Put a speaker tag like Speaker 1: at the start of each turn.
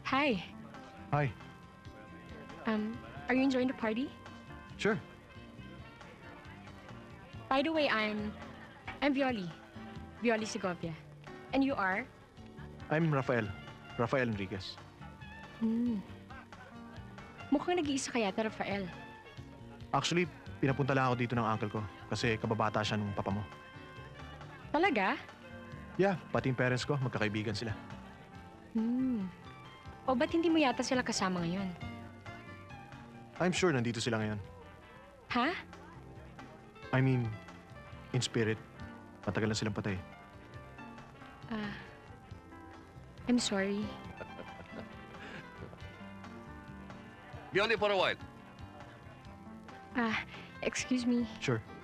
Speaker 1: Hi.
Speaker 2: Hi.
Speaker 1: Are you enjoying the party?
Speaker 2: Sure.
Speaker 1: By the way, I'm Violi. Violi Segovia. And you are?
Speaker 2: I'm Rafael. Rafael Enriquez.
Speaker 1: Mukhang nag-iisa ka yata, Rafael.
Speaker 2: Actually, pinapunta lang ako dito ng uncle ko kasi kababata siya nung papa mo.
Speaker 1: Talaga?
Speaker 2: Yeah, pati yung parents ko, magkakaibigan sila.
Speaker 1: O ba't hindi mo yata sila kasama ngayon?
Speaker 2: I'm sure nandito sila ngayon.
Speaker 1: Ha?
Speaker 2: I mean, in spirit. Matagal na silang patay.
Speaker 1: I'm sorry.
Speaker 3: Be only for a while.
Speaker 1: Excuse me.
Speaker 2: Sure.